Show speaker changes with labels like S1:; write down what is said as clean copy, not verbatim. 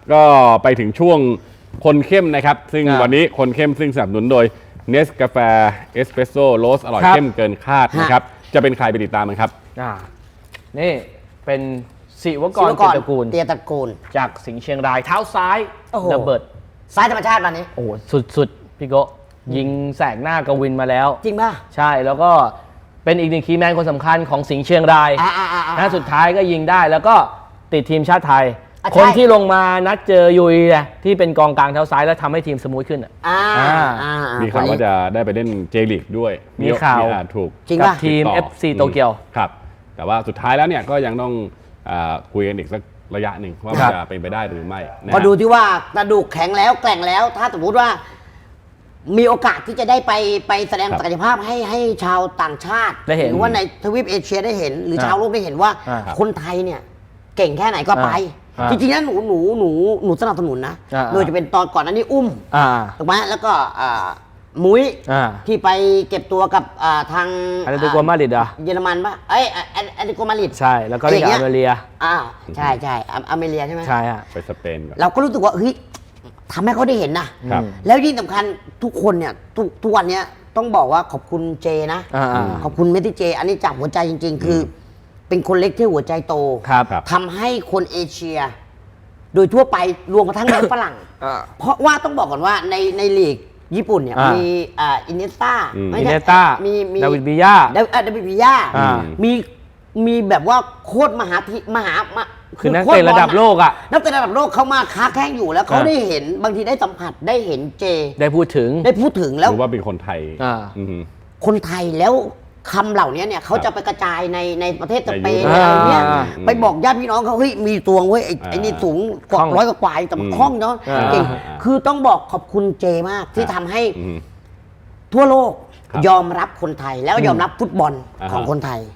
S1: ก็ไปถึงช่วงคนเข้มนะครับซึ่งวันนี้คนเข้มซึ่งสนับสนุนโดยเนสกาแฟเอสเปรสโซ่โรสอร่อยเข้มเกินคาดนะครับจะเป็นใครไปติดตามกันครับ
S2: นี่เป็นศิวกรเตียตระกูลจากสิงห์เชียงรายเท้าซ้ายระเบิด
S3: ซ้ายธรรมชาติวันนี้
S2: โอ้สุดพี่โกยิงแสกหน้ากวินมาแล้ว
S3: จริงป่ะ
S2: ใช่แล้วก็เป็นอีกหนึ่งคีย์แมนคนสำคัญของสิงห์เชียงรายนะสุดท้ายก็ยิงได้แล้วก็ติดทีมชาติไทยคนที่ลงมานัดเจอยุยที่เป็นกองกลางเท้าซ้ายแล้วทำให้ทีมสมูทขึ้น
S1: มีข่าวว่าจะได้ไปเล่นเจลีกด้วย
S2: มีข่าว
S1: ถูก
S2: กับทีม FC โตเกียว
S1: ครับแต่ว่าสุดท้ายแล้วเนี่ยก็ยังต้องคุยกันอีกสักระยะหนึ่งว่าจะเป็นไปได้หรือไม่
S3: ก็ดูที่ว่ากระดูกแข็งแล้วแกร่งแล้วถ้าสมมติว่ามีโอกาสที่จะได้ไปแสดงศักยภาพให้ชาวต่างชาติหรือว่าในทวีปเอเชียได้เห็นหรือชาวโลกได้เห็นว่าคนไทยเนี่ยเก่งแค่ไหนก็ไปจริงๆแล้วหนูสนับสนุนนะโดยจะเป็นตอนก่อนนั้นนี่อุ้มถูกไหมแล้วก็มุ้ยที่ไปเก็บตัวกับทาง
S2: อาร์เตโกมาดริด
S3: เยอรมันป่ะอาร์เตโกมาดริด
S2: ใช่แล้วก็เรียกอเมเรีย
S3: ใช่อเมเรียใช่ไหม
S2: ใช่ฮะ
S1: ไปสเปน
S3: เราก็รู้สึกว่าเฮ้ยทำให้เขาได้เห็นนะแล้วยิ่งสำคัญทุกคนเนี่ยทุกวันนี้ต้องบอกว่าขอบคุณเจนะขอบคุณเมทิเจอันนี้จากหัวใจจริงๆคือเป็นคนเล็กที่หัวใจโตทำให้คนเอเชียโดยทั่วไปรวมกระทั่งฝรั่งเพราะว่าต้องบอกก่อนว่าในลีกญี่ปุ่นเนี่ยมีอินเนสต้า
S2: มีดาวิดบิยา
S3: มีแบบว่าโคตรมหา
S2: คือนักเตะระดับโลก
S3: นักเตะระดับโลกเขามาค้าแข่งอยู่แล้วเขาได้เห็นบางทีได้สัมผัสได้เห็นเจ
S2: ได้พูดถึง
S3: แล้ว
S1: รู้ว่าเป็นคนไทย
S3: คนไทยแล้วคำเหล่านี้เนี่ยเขาจะไปกระจายในประเทศสเปนอะไรเงี้ยไปบอกญาติพี่น้องเขาเฮ้ยมีตัวเว้ยไอ้นี่สูงกว่า100 กว่าแต่มันคล่องเนาะเก่งคือต้องบอกขอบคุณเจมากที่ทำให้ทั่วโลกยอมรับคนไทยแล้วยอมรับฟุตบอลของคนไทย